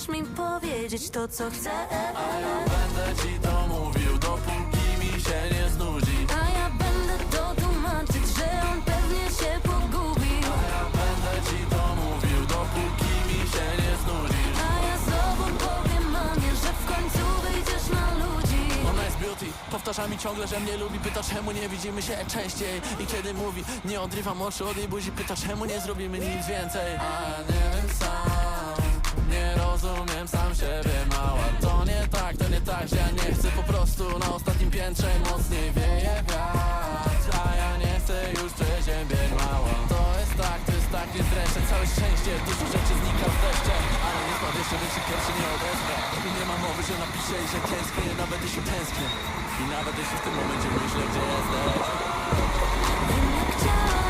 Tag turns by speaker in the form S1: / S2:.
S1: możesz mi powiedzieć to, co chcę.
S2: A ja będę ci to mówił, dopóki mi się nie znudzi.
S1: A ja będę to tłumaczyć, że on pewnie się pogubi.
S2: A ja będę ci to mówił, dopóki mi się nie znudzisz.
S1: A ja znowu powiem mamie, że w końcu wyjdziesz na ludzi.
S2: Ona jest beauty, powtarza mi ciągle, że mnie lubi. Pyta, czemu nie widzimy się częściej. I kiedy mówi, nie odrywam oczu od jej buzi. Pyta, czemu nie zrobimy nic więcej. A ja nie wiem sam, nie rozumiem sam siebie, mała. To nie tak, że ja nie chcę po prostu na ostatnim piętrze mocniej wieje wiatr. A ja nie chcę już przeziębień, mała. To jest tak, jest dreszcze, całe szczęście. Dużo rzeczy znika z deszczem, ale nie spadł jeszcze, więc się pierwszy nie odezwę. I nie ma mowy, że napiszę i że tęsknię, nawet jeśli tęsknię. I nawet jeśli w tym momencie myślę, gdzie jesteś.
S1: Wiem, jak chciałam